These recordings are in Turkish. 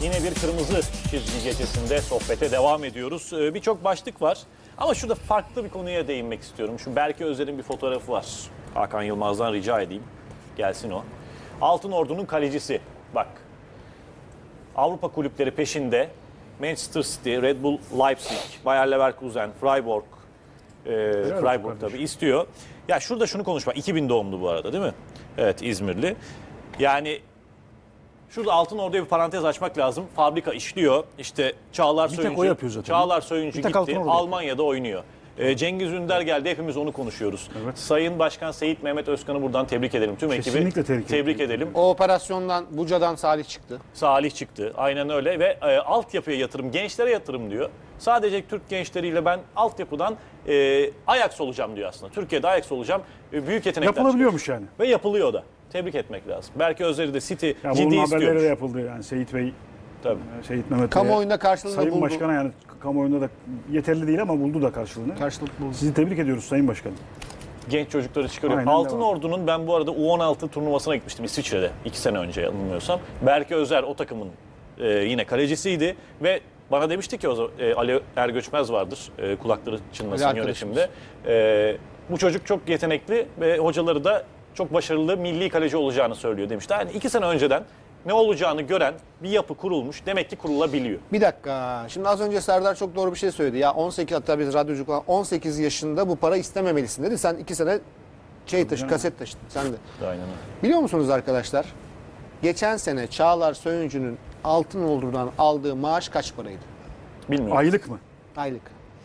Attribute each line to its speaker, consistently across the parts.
Speaker 1: Yine bir kırmızı çizgi gecesinde sohbete devam ediyoruz. Birçok başlık var ama şurada farklı bir konuya değinmek istiyorum. Şu Berke Özer'in bir fotoğrafı var. Hakan Yılmaz'dan rica edeyim. Gelsin o. Altın Ordu'nun kalecisi. Bak. Avrupa kulüpleri peşinde. Manchester City, Red Bull Leipzig, Bayer Leverkusen, Freiburg, Freiburg tabii istiyor. Ya şurada şunu konuşma. 2000 doğumlu bu arada değil mi? Evet, İzmirli. Yani şurada Altın Ordu'ya bir parantez açmak lazım. Fabrika işliyor. İşte Çağlar Söyüncü. Çağlar Söyüncü gitti. Almanya'da oynuyor. Cengiz Ünder geldi. Hepimiz onu konuşuyoruz. Evet. Sayın Başkan Seyit Mehmet Özkan'ı buradan tebrik edelim. Tüm ekibi tebrik edelim.
Speaker 2: O operasyondan, Buca'dan Salih çıktı.
Speaker 1: Salih çıktı. Aynen öyle ve altyapıya yatırım, gençlere yatırım diyor. Sadece Türk gençleriyle ben altyapıdan Ajax olacağım diyor aslında. Türkiye'de Ajax olacağım. Büyük yetenekler
Speaker 3: yapılabiliyormuş yani.
Speaker 1: Ve yapılıyor da. Tebrik etmek lazım. Berke Özer'i de City
Speaker 3: ya
Speaker 1: ciddi
Speaker 3: bunun
Speaker 1: istiyormuş.
Speaker 3: haberleri de yapıldı yani Seyit Bey.
Speaker 1: Tabii.
Speaker 3: Seyit Mehmet
Speaker 2: Kamuoyunda karşılığını
Speaker 3: Sayın
Speaker 2: buldu.
Speaker 3: Başkan'a yani kamuoyunda da yeterli değil ama buldu da karşılığını.
Speaker 2: Karşılık buldu.
Speaker 3: Sizi tebrik ediyoruz Sayın Başkanım.
Speaker 1: Genç çocukları çıkarıyor.
Speaker 3: Aynen
Speaker 1: Altın
Speaker 3: devam.
Speaker 1: Ordu'nun ben bu arada U16 turnuvasına gitmiştim İsviçre'de 2 sene önce yanılmıyorsam. Berke Özer o takımın yine kalecisiydi ve bana demişti ki o zaman Ali Ergöçmez vardır kulakları çınlasın yönetimde. Bu çocuk çok yetenekli ve hocaları da çok başarılı milli kaleci olacağını söylüyor demişti. Yani 2 sene önceden ne olacağını gören bir yapı kurulmuş. Demek ki kurulabiliyor.
Speaker 2: Bir dakika. Şimdi az önce Serdar çok doğru bir şey söyledi. Ya 18 hatta biz radyoculuk olan 18 yaşında bu para istememelisin dedi. Sen 2 sene kaset taşıdın. Sen de.
Speaker 1: Aynen öyle.
Speaker 2: Biliyor musunuz arkadaşlar? Geçen sene Çağlar Söyüncü'nün Altın Ordu'dan aldığı maaş kaç paraydı?
Speaker 1: Bilmiyorum.
Speaker 3: Aylık mı?
Speaker 2: Aylık.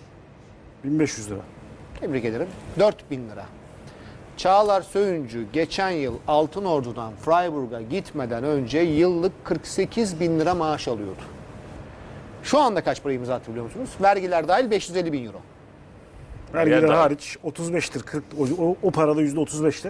Speaker 3: 1500 lira.
Speaker 2: Tebrik ederim. 4000 lira. Çağlar Söyüncü geçen yıl Altın Ordu'dan Freiburg'a gitmeden önce yıllık 48 bin lira maaş alıyordu. Şu anda kaç para imza attı biliyor musunuz? Vergiler dahil 550 bin euro.
Speaker 3: Vergiler hariç 35'tir. 40, o parada %35'tir.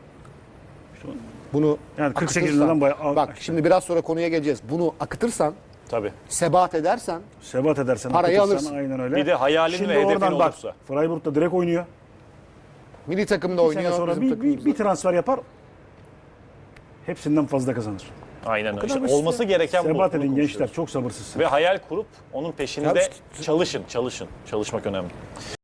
Speaker 2: Bunu
Speaker 3: Yani 48
Speaker 2: akıtırsan-
Speaker 3: liradan bayağı...
Speaker 2: Bak şimdi biraz sonra konuya geleceğiz. Bunu akıtırsan,
Speaker 1: Tabii.
Speaker 2: sebat edersen
Speaker 3: Sebat edersen,
Speaker 2: parayı
Speaker 3: akıtırsan
Speaker 2: alırsın.
Speaker 3: aynen öyle.
Speaker 1: Bir de hayalin
Speaker 3: Şimdi
Speaker 1: ve hedefin
Speaker 3: oradan bak,
Speaker 1: olursa.
Speaker 3: Freiburg'da direkt oynuyor.
Speaker 2: milli takımda
Speaker 3: Bir sene
Speaker 2: oynuyor.
Speaker 3: sonra
Speaker 2: bizim takımımızda.
Speaker 3: bir transfer yapar. Hepsinden fazla kazanır.
Speaker 1: Aynen öyle.
Speaker 3: kadar
Speaker 1: İşte
Speaker 3: basit
Speaker 1: olması
Speaker 3: ya.
Speaker 1: gereken bu.
Speaker 3: Sebat
Speaker 1: Bunu
Speaker 3: edin
Speaker 1: konuşuyoruz.
Speaker 3: gençler, çok sabırsızsınız.
Speaker 1: Ve hayal kurup onun peşinde
Speaker 2: Tabii.
Speaker 1: çalışın. Çalışmak önemli.